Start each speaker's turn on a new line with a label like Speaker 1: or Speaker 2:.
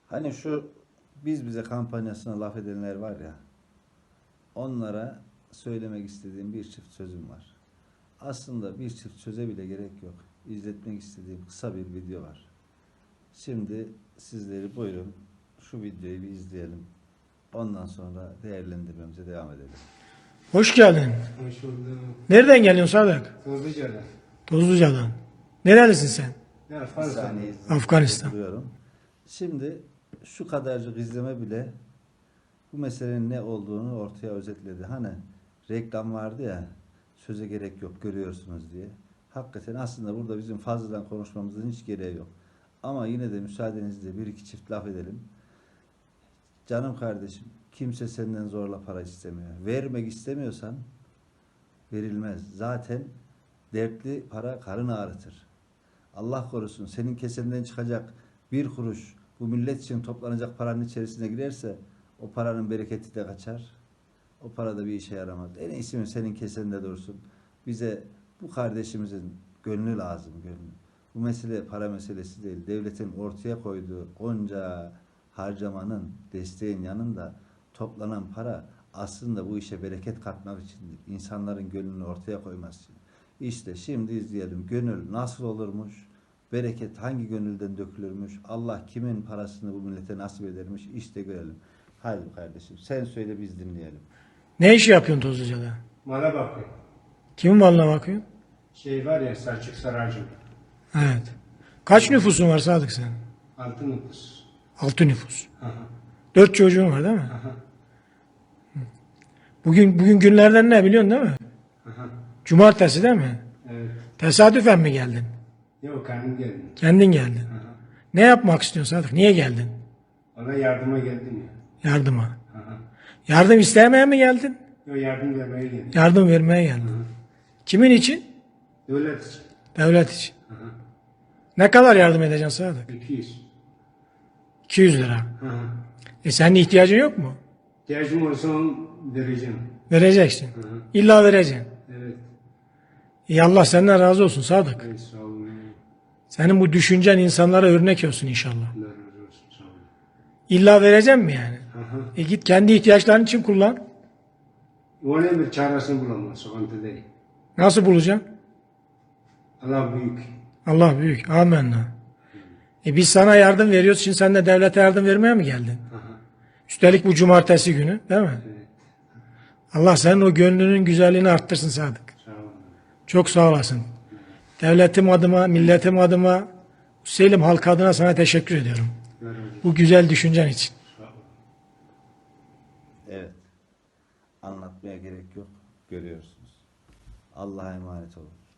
Speaker 1: Hani şu biz bize kampanyasına laf edenler var ya, onlara söylemek istediğim bir çift sözüm var. Aslında bir çift söze bile gerek yok. İzletmek istediğim kısa bir video var. Şimdi sizleri buyurun şu videoyu bir izleyelim. Ondan sonra değerlendirmemize devam edelim.
Speaker 2: Hoş geldin.
Speaker 3: Hoş bulduk.
Speaker 2: Nereden geliyorsun Sadık?
Speaker 3: Tozluca'da.
Speaker 2: Tozluca'dan. Nerelisin sen?
Speaker 3: Ne
Speaker 1: Bir
Speaker 3: Afganistan.
Speaker 1: saniye
Speaker 2: Afganistan.
Speaker 1: duruyorum. Şimdi şu kadarcık izleme bile bu meselenin ne olduğunu ortaya özetledi. Hani reklam vardı ya, söze gerek yok görüyorsunuz diye. Hakikaten aslında burada bizim fazladan konuşmamızın hiç gereği yok. Ama yine de müsaadenizle bir iki çift laf edelim. Canım kardeşim, kimse senden zorla para istemiyor. Vermek istemiyorsan verilmez. Zaten dertli para karın ağrıtır. Allah korusun senin kesenden çıkacak bir kuruş bu millet için toplanacak paranın içerisine girerse o paranın bereketi de kaçar. O para da bir işe yaramaz. En iyisi mi senin kesende dursun. Bize bu kardeşimizin gönlü lazım, gönlü. Bu mesele para meselesi değil. Devletin ortaya koyduğu onca harcamanın, desteğin yanında toplanan para aslında bu işe bereket katmak içindir. İnsanların gönlünü ortaya koyması için. İşte şimdi izleyelim. Gönül nasıl olurmuş? Bereket hangi gönülden dökülürmüş? Allah kimin parasını bu millete nasip edermiş? İşte görelim. Haydi kardeşim sen söyle biz dinleyelim.
Speaker 2: Ne iş yapıyorsun Tozluca'da?
Speaker 3: Mala bakıyor.
Speaker 2: Kimin malına bakıyorsun?
Speaker 3: Şey var ya Selçuk Saracım.
Speaker 2: Evet. Kaç nüfusun var Sadık sen?
Speaker 3: 6 nüfus.
Speaker 2: 6 nüfus.
Speaker 3: Aha.
Speaker 2: 4 çocuğun var değil mi?
Speaker 3: Aha.
Speaker 2: Bugün günlerden ne biliyorsun değil mi?
Speaker 3: Aha.
Speaker 2: Cumartesi değil mi?
Speaker 3: Evet.
Speaker 2: Tesadüfen mi geldin?
Speaker 3: Yok kendim geldim.
Speaker 2: Kendin geldin.
Speaker 3: Aha.
Speaker 2: Ne yapmak istiyorsun Sadık? Niye geldin?
Speaker 3: Ona yardıma geldim ya.
Speaker 2: Yardıma.
Speaker 3: Aha.
Speaker 2: Yardım istemeye mi geldin?
Speaker 3: Yok yardım vermeye geldim.
Speaker 2: Yardım vermeye geldin. Kimin için?
Speaker 3: Devlet için.
Speaker 2: Devlet için.
Speaker 3: Aha.
Speaker 2: Ne kadar yardım edeceksin Sadık?
Speaker 3: 200.
Speaker 2: 200 lira.
Speaker 3: Aha.
Speaker 2: Senin ihtiyacın yok mu?
Speaker 3: İhtiyacım olsa vereceğim.
Speaker 2: Vereceksin.
Speaker 3: Hı hı.
Speaker 2: İlla vereceksin.
Speaker 3: Evet.
Speaker 2: İyi Allah senden razı olsun Sadık.
Speaker 3: Evet sağ olun.
Speaker 2: Senin bu düşüncen insanlara örnek olsun inşallah.
Speaker 3: Allah razı olsun sağ olun.
Speaker 2: İlla vereceğim mi yani?
Speaker 3: Aha.
Speaker 2: Git kendi ihtiyaçların için kullan.
Speaker 3: Onun bir çaresini bulamaz. Sıkıntı değil.
Speaker 2: Nasıl bulacaksın?
Speaker 3: Allah büyük.
Speaker 2: Allah büyük. Amenna. Biz sana yardım veriyoruz. Şimdi sen de devlete yardım vermeye mi geldin?
Speaker 3: Aha.
Speaker 2: Üstelik bu cumartesi günü değil mi?
Speaker 3: Evet.
Speaker 2: Allah senin o gönlünün güzelliğini arttırsın Sadık.
Speaker 3: Sağ olun.
Speaker 2: Çok sağ olasın. Devletim adıma, milletim adıma, Selim halk adına sana teşekkür ediyorum.
Speaker 3: Allah razı olsun.
Speaker 2: Bu güzel düşüncen için.
Speaker 3: Sağ olun.
Speaker 1: Evet. Anlatmaya gerek yok. Görüyorsunuz. Allah'a emanet olun.